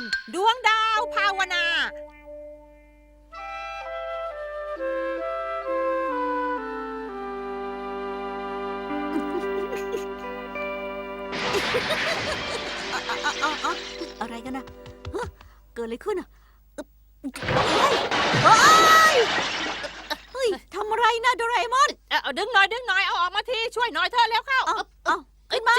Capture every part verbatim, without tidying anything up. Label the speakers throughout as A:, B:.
A: ดวงดาวภาวนา
B: อะไรกันนะเกิดอะไรขึ้นอ่ะเฮ้ยเฮ้ยเฮ้ยทำอะไรนะโดราเอมอน
A: เอาดึงหน่อยดึงหน่อยเอาออกมาทีช่วยหน่อยเธอแล้วเข้า
B: เอาเอาขึ้นมา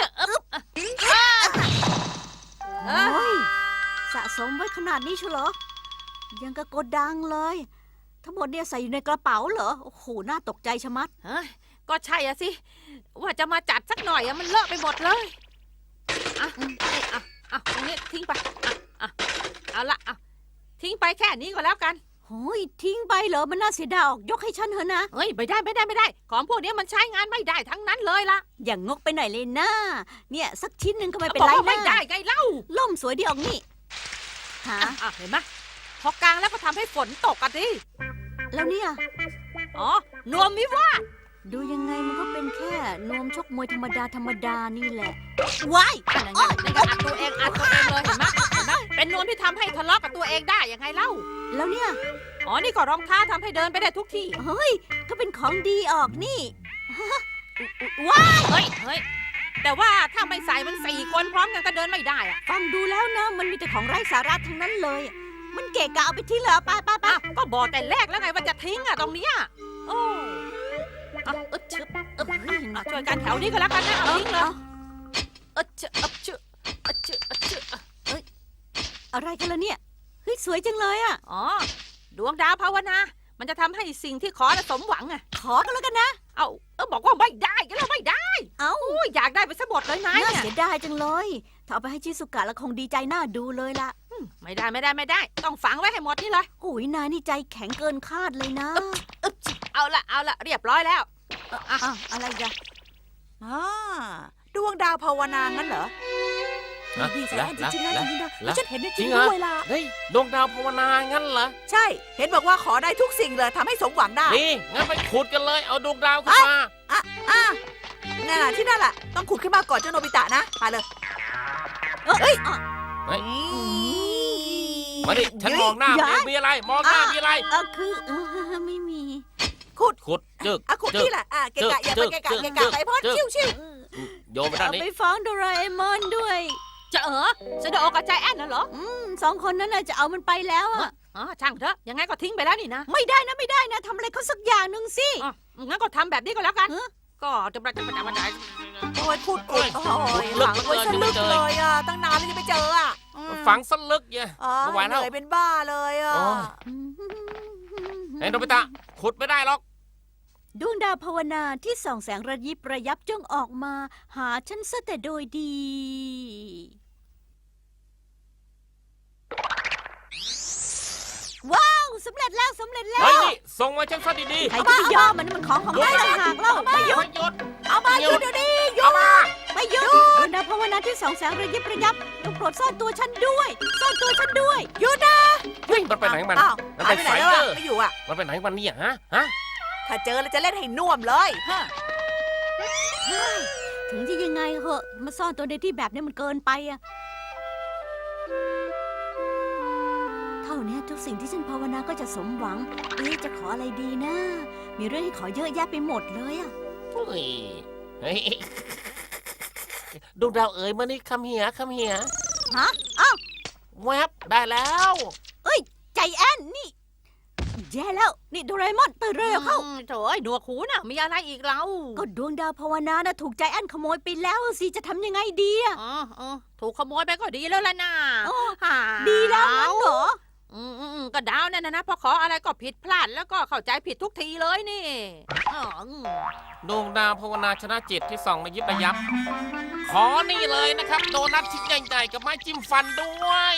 B: เฮ้ยสะสมไว้ขนาดนี้ชัวร์เหรอยังกระโกดดังเลยทั้งหมดเนี่ยใส่อยู่ในกระเป๋าเหรอโอ้โหน่าตกใจชะมัด
A: เฮ้ยก็ใช่อะสิว่าจะมาจัดสักหน่อยอะมันเลอะไปหมดเลยอ่ะอ่ะอ่ะตรงนี้ทิ้งไปอ่ะอ่ะเอาละอ่ะทิ้งไปแค่นี้ก็แล้วกัน
B: โอ้ยทิ้งไปเหรอมันน่าเสียดายออกยกให้ฉันเถอะนะ
A: เฮ้ยไม่ได้ไม่ได้ไม่ได้ของพวกนี้มันใช้งานไม่ได้ทั้งนั้นเลยล่ะ
B: อย่างงกไปหน่อยเลยนะเนี่ยสักชิ้นหนึ่งก็ไม่เป็น
A: บอก
B: ไร
A: ว่าไม่
B: นะ
A: ได้ไงเล่า
B: ล่มสวยดีออกนี่หา
A: อ่ะอ่ะเห็นไหมพอกลางแล้วก็ทำให้ฝนตกกันดิ
B: แล้วเนี่ย
A: อ๋อนวมวิวาท
B: ดูยังไงมันก็เป็นแค่นวมชกมวยธรรมดาธรรมดานี่แหละว้าย
A: อันนั้นนั่นก็อัดตัวเองอัดตัวเองเลยเห็นไหมเห็นไหมเป็นนวมที่ทำให้ทะเลาะกับตัวเองได้ยังไงเล่า
B: แล้วเนี่ย
A: อ๋อนี่ก็รองเท้าทำให้เดินไปได้ทุกที่
B: เฮ้ยก็เป็นของดีออกนี่ว้าย
A: เฮ้ยเฮ้ยแต่ว่าถ้าไม่ใส่มันสี่คนพร้อมกันก็เดินไม่ได้อะ
B: ฟังดูแล้วนะมันมีแต่ของไร้สาระทั้งนั้นเลย มันเกะกะเอาไปทิ้งเหรอไปไปไป
A: อ่ะก็บอกแต่แรกแล้วไงว่าจะทิ้งอะตรงเนี้ยโอ้อ่ะอึดชึบอึบอ่ะช่วยกันแถวนี้ก็แล้วกันนะเอาทิ้งเลยอึดชึบอึดชึบอึดชึบอึดชึบ
B: อะไรกันล่ะเนี่ยเฮ้ยสวยจังเลยอ่ะ
A: อ๋อดวงดาวภาวนา มันจะทำให้สิ่งที่ขอน่ะสมหวังอะ
B: ขอกันแล้วกันนะ
A: เอาเออบอกว่าไม่ได้ก็แล้วไม่ได้
B: เอ้า
A: โอ้ยอยากได้ไปซะหมดเลยนาย
B: น่า
A: เนี่ย
B: เสียดายจังเลยถ้าเอาไปให้ชิสุกะแล้วคงดีใจน่าดูเลยล่ะ
A: อืมไม่ได้ไม่ได้ไม่ได้ ต้องฝังไว้ให้หมดนี่เลย
B: โอ้ยนายนี่ใจแข็งเกินคาดเลยนะ
A: อึ๊บเอาละเอาละเรียบร้อยแล้ว
B: อ่ะอ่ะอะไรกัน
C: อ่าดวงดาวภาวนางั้นเหรอ
D: นะ
C: ดีแส
D: ละ
C: นจ
D: ละ
C: ริงๆนะ
D: ละ
C: จริงๆนะ
D: ละ
C: ฉันเห็นในจ
D: จริ
C: ริง
D: งเหรอ
C: ด้วยล่ะ
D: เฮ้ยดวงดาวภาวนางั้นเหรอ
C: ใช่ เห็นบอกว่าขอได้ทุกสิ่งเลยทำให้สมหวังได้
D: นี่งั้นไปขุดกันเลยเอาดวงดาวขึ้นมา
C: อ่ะอ่ะนั่นน่ะที่นั่นแหละต้องขุดขึ้นมาก่อนเจ้าโนบิตะนะมาเลย
B: เอ้ยอ่ะ
D: เฮ้ย
C: นี่
D: มาดิฉันมองหน้า
B: ย้าย
D: มีอะไรมองหน้ามีอะไร
B: เออคือเออไม่มี
C: ขุด
D: ขุดจึก
C: อ่ะขุด
D: จึก
C: นี่แหละอ่ะเกะกะอย่าไปเกะกะเกะกะไปพอดชิวชิว
D: โยนไปด้าน
B: เอา
D: นี้
B: ไปฟ้องโดราเอมอนด้วย
A: จะเออจะโดกับใจแอนน่ะเหรอ
B: อืมสองคนนั้นน่ะจะเอามันไปแล้วอ่ะ
A: อ๋อช่างเถอะยังไงก็ทิ้งไปแล้วนี่นะ
B: ไม่ได้นะไม่ได้นะทำอะไรเขาสักอย่างหนึ่งสิ
A: อ๋องั้นก็ทำแบบนี้ก็แล้วกัน
B: ฮะ
A: ก็จะประจะประจะประจะ
C: โอ้ยขุดขุดโอ้ยหลังไว้สลึกเลยอ่ะตั้งนานแล้วยังไม่เจออ่ะอืม
D: ฝังสลึกเนี่ย
C: อ๋อ
D: ไม่ไหว
C: เห
D: แล้ว
C: นื่อยเป็นบ้าเลยอ่ะ
D: โอ้ย ไอ้โนบิตะขุดไม่ได้หรอก
B: ดวงดาวภาวนาที่ส่องแสงระยิบระยับจงออกมา หาฉันซะแต่โดยดี ว้าวสำเร็จแล้วสำเร็จแล้
D: เฮ้ยว นี่ส่งมาฉันซะดี
B: ใครจะไปยอมมันมันของของได้ต่างหากเล่า
D: ๆ
B: ไม่หยุด
D: หยุด
C: เอามาหยุดเดี๋ยวนี้หยุ
D: เอา
C: ด
D: มา
B: ไม่หยุดดวงดาวภาวนาที่ส่องแสงระยิบระยับจงโปรดซ่อนตัวฉันด้วยซ่อนตัวฉันด้วยหยุดนะ
D: เฮ้ยมันไปไหนของมัน
C: อ้าว
D: มัน
C: หาย
D: เป็น
C: ไปไหน
D: ไฟ
C: แล้ว
D: เดอ
C: อ่ะ
D: ร์
C: ไม่อยู่อ่ะ
D: มันไปไหนของมันเนี่ยฮะฮะ
C: ถ้าเจอแล้วจะเล่นให้น่วมเลยฮะ
B: ถึงจะยังไงเหอะมาซ่อนตัวในที่แบบนี้มันเกินไปอะเท่านี้ทุกสิ่งที่ฉันภาวนาก็จะสมหวังเอ๊ะจะขออะไรดีนะ มีเรื่องให้ขอเยอะแยะไปหมดเลยอะ
D: เฮ้ยเฮ้ยดวงดาวเอ๋ยมานี่คำเหียคำเหีย
B: ฮะอ้าว
D: แวบได้แล้ว
B: ใจแอนนี่แย่แล้วนี่โดราเอมอนตื่นเร็วเข้า
A: อืมโถ่ไอ้หนวกหูน่ะมีอะไรอีกเรา
B: ก็ดวงดาวภาวนานะถูกใจแอนขโมยไปแล้วสิจะทำยังไงดีอะ
A: อ๋ออ๋อถูกขโมยไปก็ดีแล้วล่ะน่ะ
B: อ๋อ
A: หา
B: ดีแล้วงั้นเหรอ
A: อืมอืมอืมก็ดาวนั่นนะนะพอขออะไรก็ผิดพลาดแล้วก็เข้าใจผิดทุกทีเลยนี่อ๋ออืม
D: ดวงดาวภาวนาชนะจิตที่ส่องระยิบระยับ ขอนี่เลยนะครับ โดนัทชิ้นใหญ่ๆกับไม้จิ้มฟันด้วย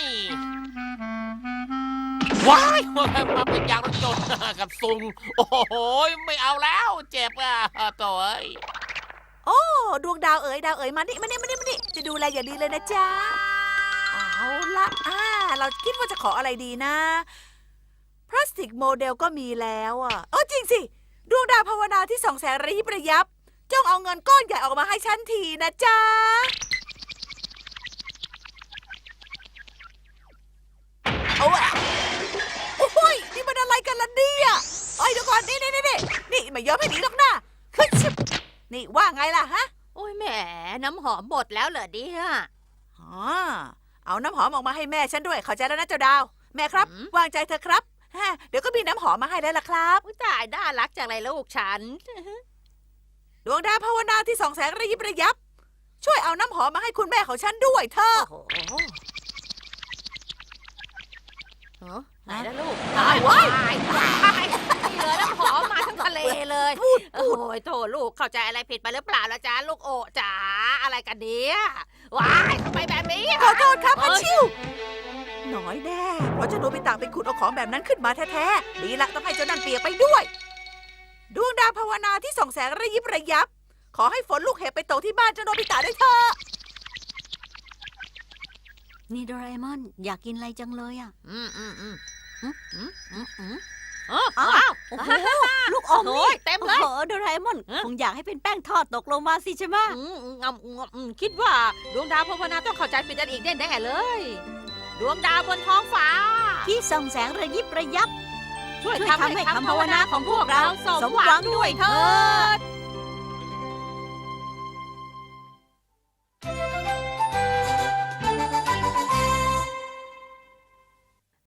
D: ว้ายมาเป็นยางรถยนต์กับซุงโอ้โหไม่เอาแล้วเจ็บอ่ะตัวเอ้ย
C: โอ้ดวงดาวเอ๋ยดาวเอ๋ยมานี่มานี่มานี่มานี่จะดูแลอย่างดีเลยนะจ๊ะเอาละอ่าเราคิดว่าจะขออะไรดีนะพลาสติกโมเดลก็มีแล้วอ่ะเออจริงสิดวงดาวภาวนาที่ส่องแสงระยิบระยับจงเอาเงินก้อนใหญ่ออกมาให้ฉันทีนะจ๊ะไม่ยอมให้หนีหรอกนะขึ้นชิบนี่ว่าไงล่ะฮะ
A: โอ้ยแหมน้ำหอมหมดแล้วเหรอเนี่ย
C: อ๋อเอาน้ำหอมออกมาให้แม่ฉันด้วยเข้าใจแล้วนะเจ้าดาว แม่ครับ
A: อืม
C: วางใจเถอะครับฮะเดี๋ยวก็มีน้ำหอมมาให้แล้วล่ะครับ
A: อุ๊ยตายน่ารักจังเลยลูกฉัน
C: ดวงดาวภาวนาที่ส่องแสงระยิบระยับ ช่วยเอาน้ำหอมมาให้คุณแม่ของฉันด้วยเถอะ
A: โอ้โหเออไหนนะลูก
C: ตายว้าย
A: ตายตายนี่เลยน้ำหอมมาทั้งทะเลเลยโอ้ยโถลูกเข้าใจอะไรผิดไปหรือเปล่าล่ะจ๊ะลูกโอจ๋าอะไรกันเนี่ยว้ายทำไมแบบนี้
C: ขอโทษครับ
A: เอ้
C: พัน
A: ย
C: ชิวน้อยแน่เพราะเจ้าโนบิตะไปขุดเอาของแบบนั้นขึ้นมาแท้ๆดีละต้องให้เจ้านั่นเปียกไปด้วย ดวงดาวภาวนาที่ส่องแสงระยิบระยับ ขอให้ฝนลูกเห็บไปตกที่บ้านเจ้าโนบิตะด้วยเถอะ
B: นี่โดราเอมอนอยากกินอะไรจังเลยอ่ะ
A: อืมอืมอืมอืมอืมอืมอืมเออ
B: อ้าว
A: ว้าว
B: โอ้โหลูกอม
A: โอ้
B: นี่
A: ยเต็ม
B: โอ้
A: เลย
B: โหโดราเอมอน
A: ฮะ
B: คงอยากให้เป็นแป้งทอดตกลงมาสิใช่ไหม
A: อืมอืมงำงำอืมคิดว่าดวงดาวภาวนาต้องเข้าใจผิดกันอีกแน่ๆเลย ดวงดาวบนท้องฟ้า
B: ที่ส่องแสงระยิบระยับ
A: ช่วย
B: ช่วย
A: ทำ
B: ทำให้
A: ให้
B: คำ
A: คำ
B: ภา
A: ภาว ว
B: นา
A: นา
B: ข
A: ข
B: อ
A: อง ง
B: พ
A: พ
B: ว
A: ว
B: ก
A: ก
B: เรา
A: เรา
B: ส
A: ส
B: ม
A: ม
B: ห
A: ห
B: วั
A: วั
B: ง
A: ง
B: ด้
A: ด้
B: ว
A: วย ย
B: เถิ
A: เถิ
B: ด
A: ด